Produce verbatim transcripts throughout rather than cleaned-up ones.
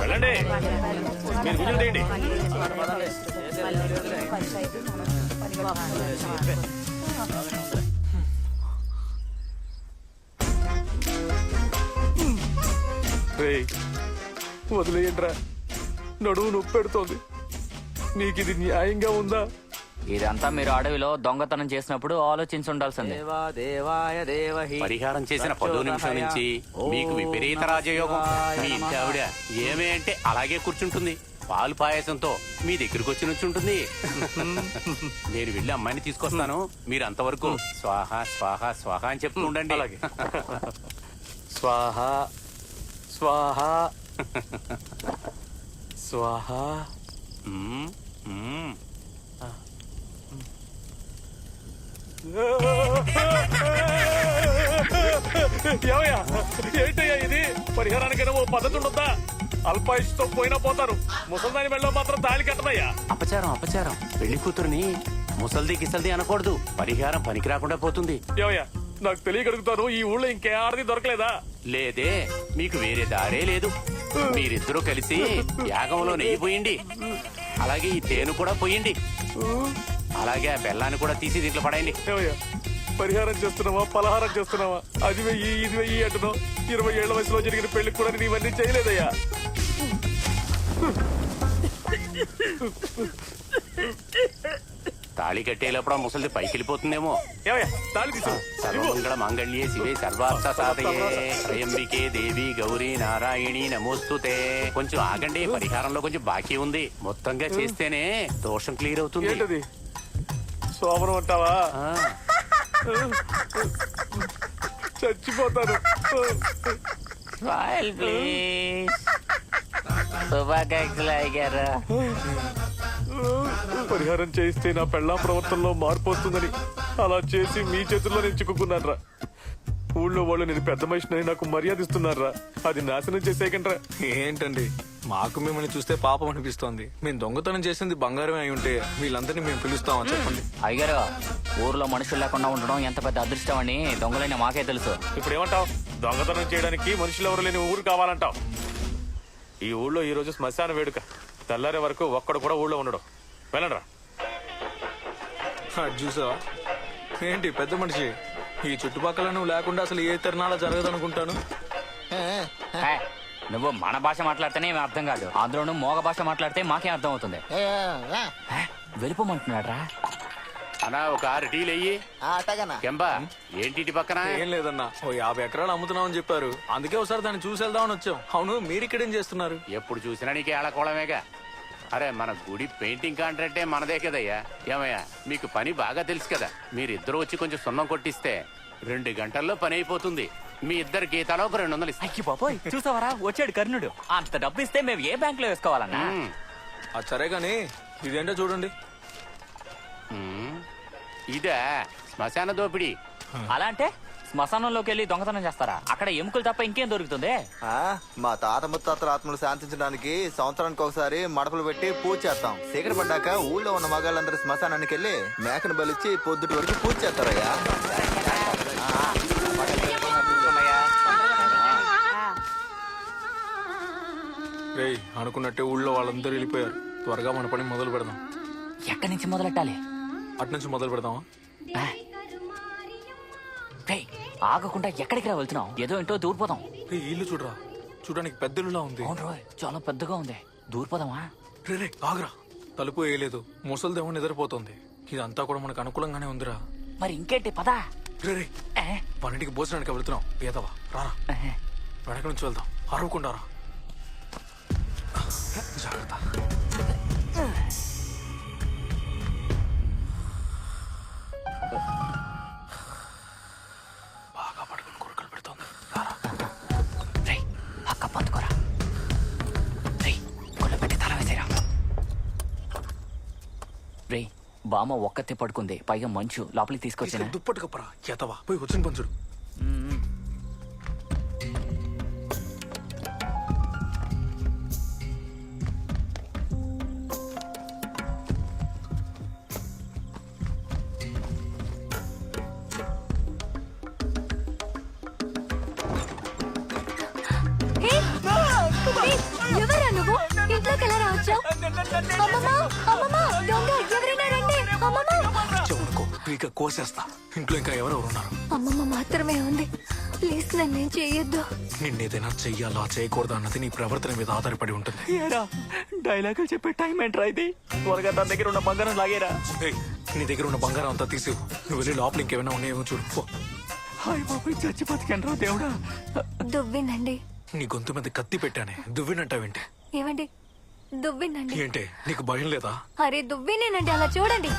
వెళ్ళండి, మీరు కూర్చోండి. వదిలేయండిరా, నడువు నొప్పి పెడుతోంది. నీకు ఇది న్యాయంగా ఉందా? ఇదంతా మీరు అడవిలో దొంగతనం చేసినప్పుడు ఆలోచించి ఉండాల్సిందే. పరిహారం చేసిన పదో నిమిషం నుంచి మీకు విపరీత రాజయోగం. మీ ఇంటి ఆవిడ ఏమే అంటే అలాగే కూర్చుంటుంది, పాలు పాయసంతో మీ దగ్గరికి వచ్చి నుంచి ఉంటుంది. నేను వెళ్ళి అమ్మాయిని తీసుకొస్తాను, మీరు అంతవరకు స్వాహ స్వాహ స్వాహ అని చెప్తూ ఉండండి. అలాగే. స్వాహ స్వాహ స్వాహ. మ్మ్, మ్మ్. ఏమయ్యా, ఏంటయ్యా ఇది? పరిహారానికైనా ఓ పద్ధతి ఉండొద్దా? అల్పాయుష్తో పోయినా పోతారు, ముసల్దాని మెళ్ళలో మాత్రం తాళి కట్టదయ్యా. అపచారం అపచారం. పెళ్లి కూతురుని ముసల్ది గిసల్ది అనకూడదు, పరిహారం పనికి రాకుండా పోతుంది. ఏమయ్యా, నాకు తెలియగలుగుతాను, ఈ ఊళ్ళో ఇంకే ఆడది దొరకలేదా? లేదే, మీకు వేరే దారే లేదు. మీరిద్దరూ కలిసి యాగంలో నెయ్యి పోయండి, అలాగే ఈ తేను కూడా పోయండి, అలాగే ఆ బెల్లాన్ని కూడా తీసి దీంట్లో పడేయండి. ఏమయ్యా, పరిహారం చేస్తున్నావా పలహారం చేస్తున్నావా? అది వెయ్యి ఇది వెయ్యి అంటున్నావు. ఇరవై ఏళ్ల వయసులో జరిగిన పెళ్లికి కూడా నేను ఇవన్నీ చేయలేదయ్యా. తాళి కట్టేటప్పుడు ఆ ముసలిది పైకి వెళ్ళిపోతుందేమో. ఏమయ్యా, తాళి తీసు. సర్వమంగళ మాంగళ్యే శివే సర్వార్థ సాధయే త్రయంబికే దేవి గౌరీ నారాయణి నమోస్తుతే. కొంచెం ఆగండి, పరిహారంలో కొంచెం బాకీ ఉంది, మొత్తంగా చేస్తేనే దోషం క్లియర్ అవుతుంది. ఏంటది? సోమరం అంటావా? ఆ, చచ్చిపోతాను. Smile please. శుభాకాంక్షలు అయ్యారు. పరిహారం చేయిస్తే నా పెళ్ళాం ప్రవర్తనలో మార్పు వస్తుందని అలా చేసి మీ చేతుల్లో నేను చిక్కుకున్నారా? ఊళ్ళో వాళ్ళు నేను పెద్ద మనిషిని నాకు మర్యాద ఇస్తున్నారా? అది నాశనం చేసేయకండ్రా. ఏంటండి, మాకు మిమ్మల్ని చూస్తే పాపం అనిపిస్తోంది. మేము దొంగతనం చేసింది బంగారమే అయి ఉంటే వీళ్ళందరినీ మేము పిలుస్తామని చెప్పండి. అయ్యారు, ఊర్లో మనుషులు లేకుండా ఉండడం ఎంత పెద్ద అదృష్టం అని దొంగలైన మాకే తెలుసు. ఇప్పుడు ఏమంటావు? దొంగతనం చేయడానికి మనుషులు ఎవరు లేని ఊరు కావాలంటావు? ఈ ఊళ్ళో ఈ రోజు శ్మశాన వేడుక, తెల్లారే వరకు ఒక్కడు కూడా ఊళ్ళో ఉండడం. వెళ్ళండ్రా. అది చూసావా ఏంటి పెద్ద మనిషి, ఈ చుట్టుపక్కల నువ్వు లేకుండా అసలు ఏ తిరణాల జరగదనుకుంటాను. హే, నువ్వు మన భాష మాట్లాడితేనే ఏమీ అర్థం కాదు, అందులోనూ మోగ భాష మాట్లాడితే మాకే అర్థం అవుతుంది. హే, వెళ్ళిపోమంటున్నాడ్రా. అన్నా ఒక ఆరు టీలు అయ్యి. కెంబా ఏంటి ఇటు పక్కన? ఏం లేదన్నా, ఓ యాభై ఎకరాలు అమ్ముతున్నామని చెప్పారు, అందుకే ఒకసారి దాన్ని చూసి వెళ్దామని వచ్చాం. అవును, మీరు ఇక్కడేం చేస్తున్నారు? ఎప్పుడు చూసినా నీకు ఏళ్ళకోవడమేగా. అరే, మన గుడి పెయింటింగ్ కాంట్రాక్టే మనదే కదయ్యా. ఏమయ్యా, మీకు పని బాగా తెలుసు కదా. మీరిద్దరూ వచ్చి కొంచెం సున్నం కొట్టిస్తే రెండు గంటల్లో పని అయిపోతుంది. మీ ఇద్దరు గీతాలో ఒక రెండు వందలు ఇస్తాయి. అయ్యి బాబోయ్, చూసావరా వచ్చాడు కర్ణుడు. అంత డబ్బు ఇస్తే మేము ఏ బ్యాంక్ లో వేసుకోవాలన్నా? అది సరే గాని ఇదేంటో చూడండి. మ్మ్. ఇదే శ్మశాన దోపిడీ. అలా అంటే శ్మశానంలోకి వెళ్ళి దొంగతనం చేస్తారా? అక్కడ ఎముకలు తప్ప ఇంకేం దొరుకుతుంది? ఆ, మా తాత ముత్తాతల ఆత్మలు శాంతించడానికి సంవత్సరానికి ఒకసారి మడపలు పెట్టి పూజ చేస్తాం. చీకటి పడ్డాక ఊళ్ళో ఉన్న మగాళ్ళందరూ శ్మశానానికి వెళ్ళి మేకను బలిచ్చి పొద్దుటి వరకు పూజ చేస్తారయ్యా. రేయ్, అనుకున్నట్టే ఊళ్ళో వాళ్ళందరూ వెళ్ళిపోయారు. త్వరగా మన పని మొదలు పెడదాం. ఎక్కడి నుంచి మొదలెట్టాలి? అటు నుంచి మొదలు పెడదామా? ఆ. రేయ్, ఆగకుండా ఎక్కడికి రా వెళ్తున్నాం? ఏదో ఏంటో దూరిపోదాం. రే, ఇల్లు చూడరా, చూడడానికి పెద్దలులా ఉంది. అవును రోయ్, చాలా పెద్దగా ఉంది. దూరిపోదామా? రే రే ఆగరా, తలుపు వేయలేదు, ముసలిదేమో నిద్రపోతుంది. ఇదంతా కూడా మనకు అనుకూలంగానే ఉందిరా. మరి ఇంకేంటి, పదా. రే రే ఏ? పన్నెండుకి భోజనానికి వెళ్తున్నాం. పేదవా రారా, ఆహా. వెనక నుంచి వెళ్దాం. అరవకుండా రా. జాగ్రత్త. బాగా పడుకుని కొరకలు పెడుతోంది. రారా. రేయ్, అక్క పందుకోరా. రేయ్, గుళ్ళ పెట్టి తల వేసేరా. రేయ్, బామ్మ ఒక్కతే పడుకుంది, పైగా మంచు. లోపలికి తీసుకొచ్చిన దుప్పటి కప్పరా. ఎతవా పోయి వచ్చిన పంచుడు. ఎవరా అమ్మమ్మ, అమ్మమ్మ, దొంగ, ఎవరైనా రండి. అమ్మమ్మ. చెవునుకో ఇక కోసేస్తా. ఇంట్లో ఇంకా ఎవరెవరు ఉన్నారు? అమ్మమ్మ మాత్రమే ఉంది. ప్లీజ్ నన్నేం చెయ్యొద్దు. నిన్నేదైనా చెయ్యాలా చేయకూడదా అన్నది నీ ప్రవర్తన మీద ఆధారపడి ఉంటుంది. ఏరా డైలాగులు చెప్పే టైం ఏంట్రా ఇది? త్వరగా తన దగ్గర ఉన్న బంగారం లాగేరా. ఏయ్, నీ దగ్గర ఉన్న బంగారం అంతా తీసేవు. నువ్వు వెళ్ళి లోపల ఇంకేమైనా ఉన్నాయేమో చూడు పో. హాయ్ బాబు చచ్చి బతికెనరా దేవుడా. దువ్వినండి. నీ గొంతు మీద కత్తి పెట్టానే, దువ్వినంటావేంటి? ఏమండి? దువ్వినండి. ఏంటే నీకు భయం లేదా? అరే దువ్వినేనండి, అలా చూడండి.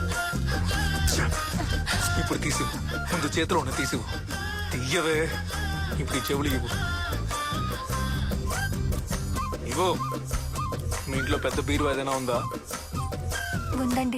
ఇప్పుడు తీసివు. ముందు చేతిలో ఉన్న తీసివు. తీయవే. ఇప్పుడు ఈ చెవులు ఇవ్వు. ఇవ్వు. మీ ఇంట్లో పెద్ద బీరు ఏదైనా ఉందా? ఉందండి.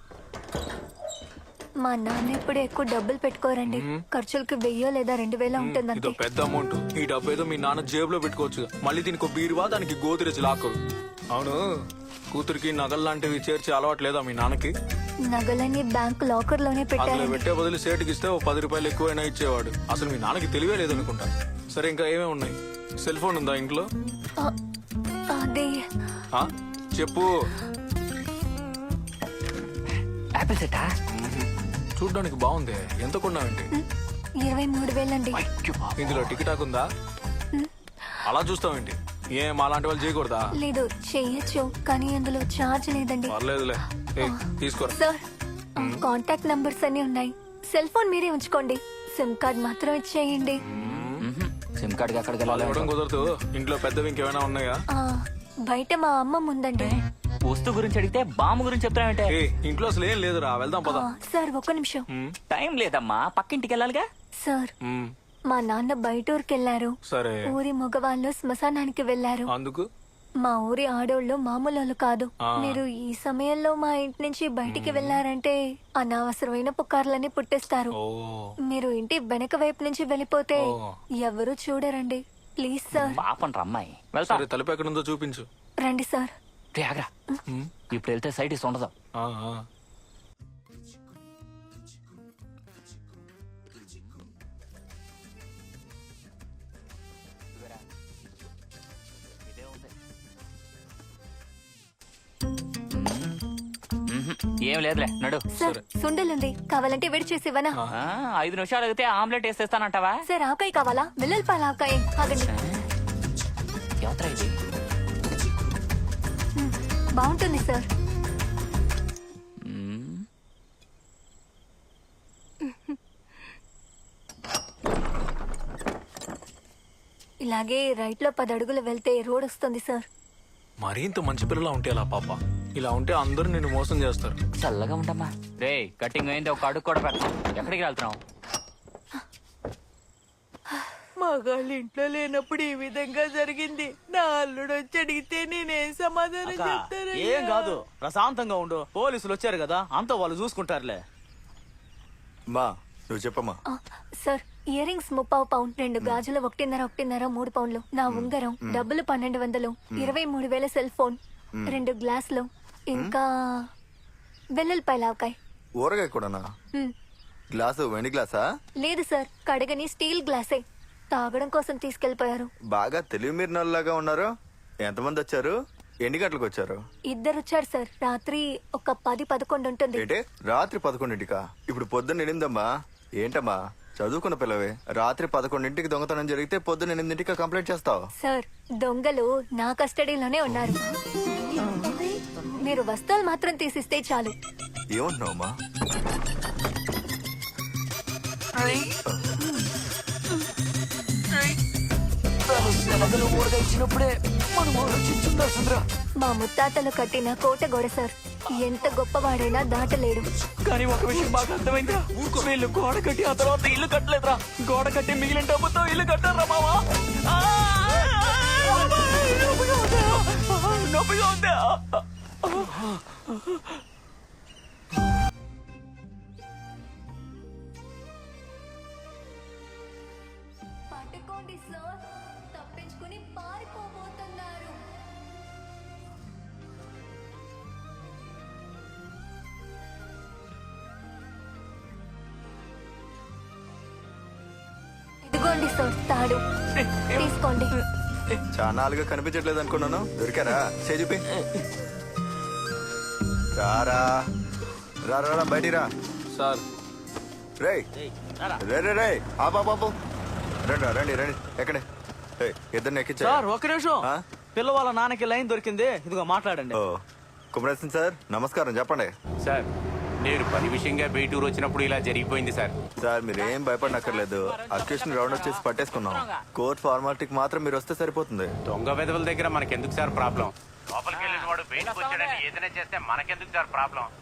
మా నాన్న ఇప్పుడు ఎక్కువ డబ్బులు పెట్టుకోరండి. ఖర్చులకి వెయ్యో లేదా రెండు వేల ఇదో ఉంటుందంతే. పెద్ద అమౌంట్. ఈ డబ్బు ఏదో మీ నాన్న జేబులో పెట్టుకోవచ్చు. మళ్ళీ దీనికి ఒక బీరువా, దానికి గోతిరెచ్చి లాక్కరు. అవును, కూతురికి నగలు లాంటివి చేర్చి అలవాటు లేదా మీ నాన్నకి? నగలన్నీ బ్యాంక్ లాకర్ లోనే అందులో పెట్టారండి. పెట్టే బదులు సేటుకి ఇస్తే ఓ పది రూపాయలు ఎక్కువైనా ఇచ్చేవాడు. అసలు మీ నాన్నకి తెలివే లేదనుకుంటా. సరే, ఇంకా ఏమేమి ఉన్నాయి? సెల్ ఫోన్ ఉందా ఇంట్లో? ఆ, అది ఆ? చెప్పు. యాపిల్ సెట్టా? చూడ్డానికి బాగుంది. ఎంత కొన్నావండి? ఇరవై మూడు వేలండి. ఇందులో టికెటాక్ ఉందా? అలా చూస్తావేంటి? ఏం అలాంటి వాళ్ళు చేయకూడదా? లేదు, చెయ్యొచ్చు, కానీ అందులో ఛార్జ్ లేదండి. పర్లేదులే. ఏయ్, తీసుకోరా. సార్, కాంటాక్ట్ నంబర్స్ అన్ని ఉన్నాయి. సెల్ ఫోన్ మీరే ఉంచుకోండి. సిమ్ కార్డ్ మాత్రం ఇచ్చేయండి. సిమ్ కార్డ్ ఎక్కడికి వాళ్ళు వెళ్ళాలి? ఇవ్వడం కుదరదు. ఇంట్లో పెద్దవి ఇంకేమైనా ఉన్నాయా? ఆ, బయట మా అమ్మ ఉందండి. వస్తువు గురించి అడిగితే బాంబు గురించి చెప్తానంటే ఏ ఇంట్లో అసలు ఏం లేదురా. వెళ్దాం పద. ఆ, సార్ ఒక్క నిమిషం. టైం లేదమ్మా, పక్కింటికి వెళ్ళాలిగా. సార్, మ్మ్. మా నాన్న బయట ఊరికెళ్లారు. సరే, ఊరి మగవాళ్ళు శ్మశానానికి వెళ్లారు. అందుకు మా ఊరి ఆడోళ్ళు మామూలు కాదు. ఆ. మీరు ఈ సమయంలో మా ఇంటి నుంచి బయటికి వెళ్లారంటే అనవసరమైన పుకార్లన్నీ పుట్టిస్తారు. ఓ మీరు ఇంటి వెనక వైపు నుంచి వెళ్ళిపోతే ఓ. ఎవరు చూడరండి. Please sir. పాపం రమ్మాయి వెళ్తా. సరే, తలుపు ఎక్కడుందో చూపించు. రండి సార్. రే, ఆగ్రా. ఇప్పుడు వెళ్తే సైడ్ ఇస్ ఉండదు. ఆ, ఆ. ఏం లేదులే, నడు. సార్, సుండలుంది, కావాలంటే వేడి చేసి ఇవ్వనా? ఆ, ఐదు నిమిషాలు అడిగితే ఆమ్లెట్ వేసేస్తానంటావా? సార్, ఆకాయ కావాలా? వెల్లుల్లిపాయల ఆకాయ. ఆగండి. ఎవత్రా ఇది? మ్, బాగుంటుంది సార్. మ్మ్. ఇలాగే రైట్ లో పది అడుగులు వెళ్తే రోడ్ వస్తుంది సార్. మరీ ఇంత మంచి పిల్లలా ఉంటే అలా పాప. ఇలా ఉంటే అందరూ నిన్ను మోసం చేస్తారు. చల్లగా ఉండమ్మా. రే, కటింగ్ అయింది, ఒక అడుగు కూడా పెట్ట. ఎక్కడికి వెళ్తున్నావు? మగాళ్ళు ఇంట్లో లేనప్పుడు ఈ విధంగా జరిగింది. నా అల్లుడు వచ్చి అడిగితే నేనేం సమాధానం చెప్తాను? ఏం కాదు, ప్రశాంతంగా ఉండు. పోలీసులు వచ్చారు కదా, అంతా వాళ్ళు చూసుకుంటారులే. మా నువ్వు చెప్పమ్మా. ఆ, సార్, ఇయర్ రింగ్స్ ముప్పావు పౌండ్, రెండు గాజులు ఒకటిన్నర ఒకటిన్నర మూడు పౌండ్లు, నా ఉంగరం, డబ్బులు పన్నెండు వందలు, ఇరవై మూడు వేల సెల్ ఫోన్, రెండు గ్లాసులు, ఇంకా వెల్లుల్లిపాయల ఆవకాయ. ఊరగాయ కూడానా? మ్, గ్లాసు వెండి గ్లాసా? లేదు సార్, కడగని స్టీల్ గ్లాసే. తాగడం కోసం తీసుకెళ్లిపోయారు. బాగా తెలివి మీరినలాగా ఉన్నారు. ఎంతమంది వచ్చారు? ఎన్ని గంటలకు వచ్చారు? ఇద్దరు వచ్చారు సార్. రాత్రి ఒక పది పదకొండు ఉంటుంది. ఏంటే రాత్రి పదకొండింటికా? ఇప్పుడు పొద్దున్న ఎనిమిదమ్మా. ఏంటమ్మా చదువుకున్న పిల్లవే, రాత్రి పదకొండింటికి దొంగతనం జరిగితే పొద్దున్న ఎనిమిదింటికి కంప్లైంట్ చేస్తావు? సార్, దొంగలు నా కస్టడీలోనే ఉన్నారు. మీరు వస్తువులు మాత్రం తీసిస్తే చాలు. ఏమంటున్నావమ్మా? మా ముత్తాతలు కట్టిన కోట గోడ సార్. ఎంత గొప్పవాడైనా దాటలేడు. కానీ ఒక విషయం బాగా అర్థమైందిరా. వీళ్ళు గోడ కట్టి ఆ తర్వాత ఇల్లు కట్టలేదురా. గోడ కట్టి మిగిలిన డబ్బుతో ఇల్లు కట్టారా మావా? ఆ! నొప్పిగా ఉందా? నొప్పిగా ఉందా? పట్టుకోండి సార్, తప్పించుకుని పారిపోబోతున్నారు. ఇదిగోండి సార్ తాడు, తీసుకోండి. చాలా నాలుగా కనిపించట్లేదు అనుకున్నాను. దొరికారా? చేజుపి. రారా రా రా రా, బయటికి రా. సార్ రే రే రే రే ఆ బాబు రండి రా, రండి రండి ఎక్కడే ఏయ్, ఇద్దరిని ఎక్కించా సార్ ఒక్క నిమిషం ఆ? పిల్ల వాళ్ళ నాన్నకి లైన్ దొరికింది ఇదిగో మాట్లాడండి ఓ కుమరేశన్ సార్ నమస్కారం చెప్పండి. సార్ నేను పని విషయంగా బయటూరు వచ్చినప్పుడు ఇలా జరిగిపోయింది సార్. సార్ మీరు ఏం భయపడనక్కర్లేదు. అక్యూషన్ రౌండ్ వచ్చేసి పట్టేసుకున్నాం. కోర్ట్ ఫార్మాలిటీకి మాత్రం మీరు వస్తే సరిపోతుంది. దొంగ వెధవల దగ్గర మనకెందుకు సార్ ప్రాబ్లం? లోపలికి వెళ్ళిన వాడు బయటకు వచ్చాడని ఏదైనా చేస్తే మనకెందుకు సార్ ప్రాబ్లం?